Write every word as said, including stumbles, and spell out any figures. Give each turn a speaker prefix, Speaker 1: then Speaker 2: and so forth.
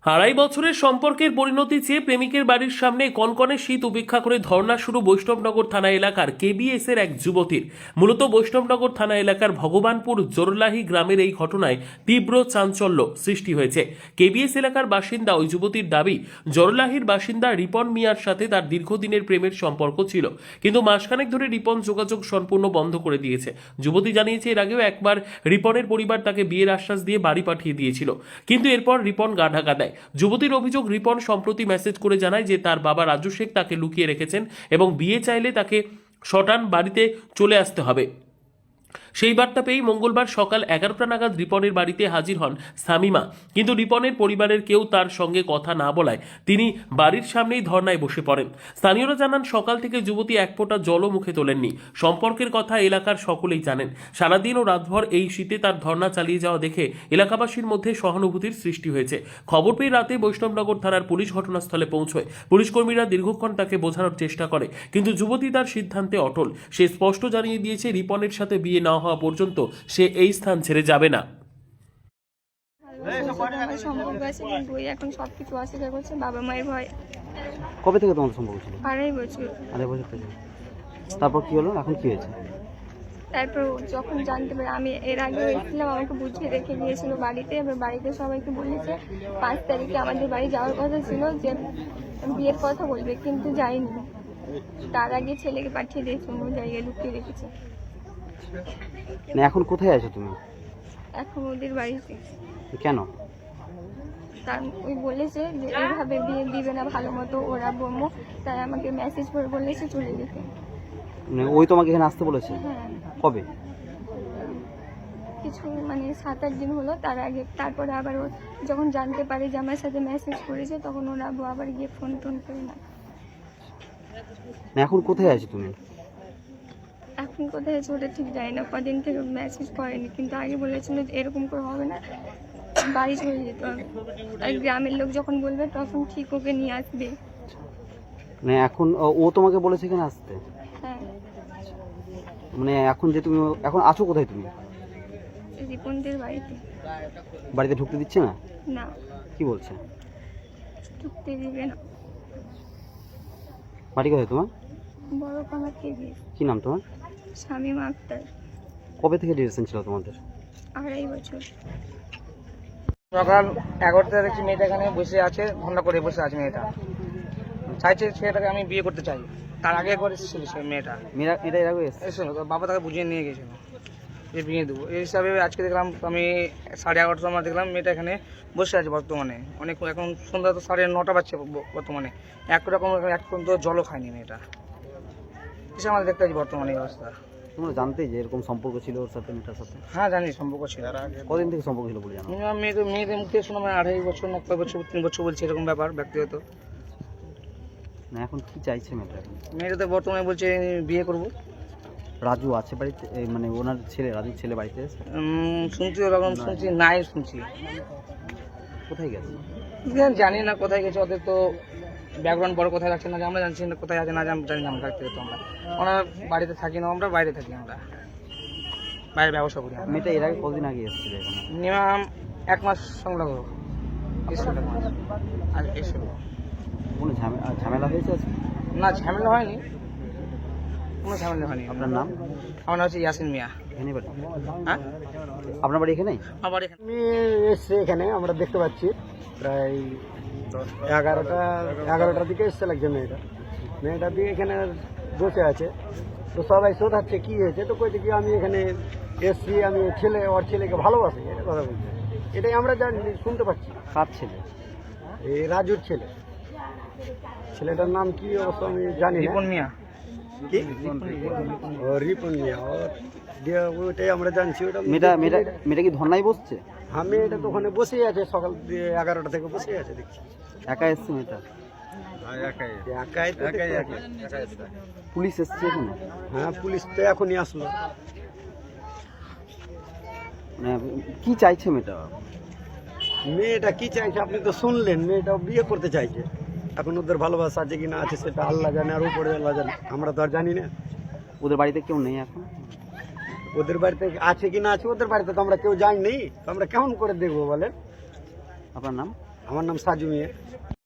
Speaker 1: আড়াই বছরের সম্পর্কের পরিণতি চেয়ে প্রেমিকের বাড়ির সামনে কনকনে শীত উপেক্ষা করে ধর্ণা শুরু বৈষ্ণবনগর থানা এলাকার কেবিএস এর এক যুবতীর। মূলত বৈষ্ণবনগর থানা এলাকার ভগবানপুর জোরলাহি গ্রামের এই ঘটনায় তীব্র চাঞ্চল্য সৃষ্টি হয়েছে। কেবিএস এলাকার বাসিন্দা ওই যুবতীর দাবি, জোরলাহির বাসিন্দা রিপন মিয়ার সাথে তার দীর্ঘদিনের প্রেমের সম্পর্ক ছিল, কিন্তু মাসখানেক ধরে রিপন যোগাযোগ সম্পূর্ণ বন্ধ করে দিয়েছে। যুবতী জানিয়েছে, এর আগেও একবার রিপনের পরিবার তাকে বিয়ের আশ্বাস দিয়ে বাড়ি পাঠিয়ে দিয়েছিল, কিন্তু এরপর রিপন গা ঢাকা দেয়। যুবতীর অভিযোগ, রিপন সম্প্রতি মেসেজ করে জানায় যে তার বাবা রাজু শেখ তাকে লুকিয়ে রেখেছেন এবং বিয়ে চাইলে তাকে শটান বাড়িতে চলে আসতে হবে। সেই বার্তা পেয়েই মঙ্গলবার সকাল এগারোটা নাগাদ রিপনের বাড়িতে হাজির হন শামিমা, কিন্তু রিপনের পরিবারের কেউ তার সঙ্গে কথা না বলায় তিনি বাড়ির সামনেই ধর্নায় বসে পড়েন। স্থানীয়রা জানান, সকাল থেকে যুবতী এক ফোঁটা জলও মুখে তোলেননি। সম্পর্কের কথা এলাকার সকলেই জানেন। সারাদিন ও রাতভর এই শীতে তার ধর্না চালিয়ে যাওয়া দেখে এলাকাবাসীর মধ্যে সহানুভূতির সৃষ্টি হয়েছে। খবর পেয়ে রাতে বৈষ্ণবনগর থানার পুলিশ ঘটনাস্থলে পৌঁছয়। পুলিশ কর্মীরা দীর্ঘক্ষণ তাকে বোঝানোর চেষ্টা করে, কিন্তু যুবতী তার সিদ্ধান্তে অটল। সে স্পষ্ট জানিয়ে দিয়েছে, রিপনের সাথে বিয়ে না হওয়া পর্যন্ত সে এই স্থান ছেড়ে যাবে না।
Speaker 2: সম্পর্ক আছে, কিন্তু ওই এখন সবকিছু অস্বীকার করছে বাবা মায়ের ভয়।
Speaker 3: কবে থেকে তোমাদের সম্পর্ক ছিল?
Speaker 2: আড়াই বছর।
Speaker 3: আড়াই বছর থেকে। তারপর কি হলো? এখন কি হয়েছে?
Speaker 2: তারপর যখন জানতে পারি, আমি এর আগে এসেছিলাম, আমাকে বুঝিয়ে রেখে গিয়েছিল বাড়িতে। এবার বাড়িতে সবাইকে বলেছে পাঁচ তারিখে আমাদের বাড়ি যাওয়ার কথা ছিল, যে বিয়ের কথা বলবে, কিন্তু যাইনি। তার আগে ছেলেকে পাঠিয়ে দিয়েছে, অন্য জায়গায় লুকিয়ে রেখেছে।
Speaker 3: না, এখন কোথায় আছো তুমি?
Speaker 2: এখন ওদের বাড়িতে।
Speaker 3: কেন?
Speaker 2: তার ওই বলেছে যে এইভাবে বিয়ে দিবে না ভালো মতো, ওরা বম্ম, তাই আমাকে মেসেজ করে বলেছে চলে যেতে।
Speaker 3: মানে ওই তোমাকে এখানে আসতে বলেছে?
Speaker 2: হ্যাঁ,
Speaker 3: কবে?
Speaker 2: কিছু মানে সাত আট দিন হলো। তার আগে তারপরে আবার ও যখন জানতে পারে যে আমার সাথে মেসেজ করেছে, তখন ওরা আবার গিয়ে ফোন টোন করে না।
Speaker 3: না, এখন কোথায় আছো তুমি?
Speaker 2: এখন কোথায় আছে ওটা ঠিক জানি না, কদিন থেকে মেসেজ করেনি, কিন্তু আগে বলেছিল যে এরকম করে হবে না, বাড়ি চলে যেতে হবে। আর গ্রামের লোক যখন বলবে তখন ঠিক ওকে নিয়ে আসবে।
Speaker 3: মানে এখন ও- ও তোমাকে বলেছে এখানে আসতে?
Speaker 2: হ্যাঁ,
Speaker 3: মানে এখন যে তুমি এখন আছো কোথায় তুমি?
Speaker 2: রিপনদের বাড়িতে।
Speaker 3: বাড়িতে ঢুকতে দিচ্ছে না?
Speaker 2: না,
Speaker 3: কি বলছে?
Speaker 2: ঢুকতে দিবে না।
Speaker 3: বাড়ি কোথায় তোমার?
Speaker 2: বড় পানা কেবি।
Speaker 3: কি নাম তোমার?
Speaker 2: শামীমা আক্তার।
Speaker 3: কবে থেকে রিলেশন ছিল তোমাদের?
Speaker 2: আড়াই বছর।
Speaker 4: সকাল এগারোটা দেখছি মেয়েটা এখানে বসে আছে, ঘন্টা করে বসে আছে। মেয়েটা চাইছে ছেলেটাকে আমি বিয়ে করতে চাই। তার আগে একবার এসেছিল সে মেয়েটা,
Speaker 3: মেয়েরা এটা এর আগে এসছে?
Speaker 4: এসেছিল তো বাবা তাকে বুঝিয়ে নিয়ে গেছিল যে বিয়ে দেবো। এই হিসাবে আজকে দেখলাম আমি সাড়ে এগারোটার সময় দেখলাম মেয়েটা এখানে বসে আছে বর্তমানে। অনেক এখন সন্ধ্যা তো সাড়ে নটা বাজছে বর্তমানে। একরকম এক পর্যন্ত জলও খায়নি মেয়েটা। এসে আমাদের দেখতে পাচ্ছি বর্তমানে এই অবস্থা।
Speaker 3: তোমরা জানতে যে এরকম সম্পর্ক ছিল ওর সাথে, মেয়েটার সাথে?
Speaker 4: হ্যাঁ জানি সম্পর্ক ছিল।
Speaker 3: কদিন থেকে সম্পর্ক ছিল বলে জানো?
Speaker 4: মিনিমাম মেয়েদের মেয়েদের মুখে শুনলাম আড়াই বছর না কয় বছর তিন বছর বলছে, এরকম ব্যাপার ব্যক্তিগত।
Speaker 3: না, এখন কি চাইছে মেয়েটা? এখন
Speaker 4: মেয়েটা তো বর্তমানে বলছে বিয়ে করবো।
Speaker 3: রাজু আছে বাড়িতে? এই মানে ওনার ছেলে, রাজুর ছেলে বাড়িতে আছে?
Speaker 4: উম, শুনছি ওরকম শুনছি, নাই শুনছি।
Speaker 3: কোথায় গেছে?
Speaker 4: জানি না কোথায় গেছে, ওদের তো ব্যাকগ্রাউন্ড বড় কোথায় রাখছে না, আমরা জানছি না কোথায় আছে না জানি জানি না। আমরা ব্যক্তিগত আমরা আমরা বাড়িতে থাকি না, আমরা বাইরে থাকি, আমরা বাইরে ব্যবসা করি।
Speaker 3: মেয়েটা এর আগে কদিন আগে এসেছিল এখানে?
Speaker 4: মিনিমাম এক মাস সংলগ্ন এসেছিল, এক মাস আর এসেছিল।
Speaker 3: কোনো ঝামেলা ঝামেলা হয়েছে আজকে?
Speaker 4: না, ঝামেলা হয়নি, কোনো ঝামেলা হয়নি।
Speaker 3: আপনার নাম?
Speaker 4: আমার নাম হচ্ছে ইয়াসিন মিয়া।
Speaker 3: এখানে বাড়ি?
Speaker 4: হ্যাঁ,
Speaker 3: আপনার বাড়ি এখানেই?
Speaker 4: আবার এখানে
Speaker 5: আমি এসছে এখানে, আমরা দেখতে পাচ্ছি প্রায় এগারোটা এগারোটার দিকে এসছে লাগছে মেয়েটা। মেয়েটা দিয়ে এখানে বসে আছে, তো সবাই শোধাচ্ছে কি হয়েছে, তো কইছে কি আমি এখানে এসছি, আমি ছেলে ওর ছেলেকে ভালোবাসি, এটা কথা বলছে। এটাই আমরা জানি, শুনতে পাচ্ছি।
Speaker 3: কার ছেলে?
Speaker 5: এই রাজুর ছেলে। ছেলেটার নাম কি অবশ্য আমি জানি না।
Speaker 4: রিপন মিয়া।
Speaker 5: কি? ও রিপন মিয়া। ও দিয়ে ওইটাই আমরা জানছি। ওটা
Speaker 3: মেয়েটা মেয়েটা মেয়েটা কি ধর্নায় বসছে?
Speaker 5: হ্যাঁ, মেয়েটা তো ওখানে বসেই আছে, সকাল দিয়ে এগারোটা থেকে বসেই আছে দেখছি।
Speaker 3: একা এসছে মেয়েটা?
Speaker 5: একাই তো দেখতে পাচ্ছি।
Speaker 3: পুলিশ এসছে এখানে?
Speaker 5: হ্যাঁ, পুলিশ তো এখনই আসলো।
Speaker 3: মানে কি চাইছে মেয়েটা?
Speaker 5: মেয়েটা কি চাইছে আপনি তো শুনলেন, মেয়েটা বিয়ে করতে চাইছে। এখন ওদের ভালোবাসা আছে কি না আছে সেটা আল্লাহ জানে, আর উপরে আল্লাহ জানে, আমরা তো আর জানি না।
Speaker 3: ওদের বাড়িতে কেউ নেই এখন?
Speaker 5: ওদের বাড়িতে আছে কি না আছে, ওদের বাড়িতে তো আমরা কেউ যাইনি, তো আমরা কেমন করে দেখবো বলেন?
Speaker 3: আপনার নাম?
Speaker 5: আমার নাম সাজু মিয়া।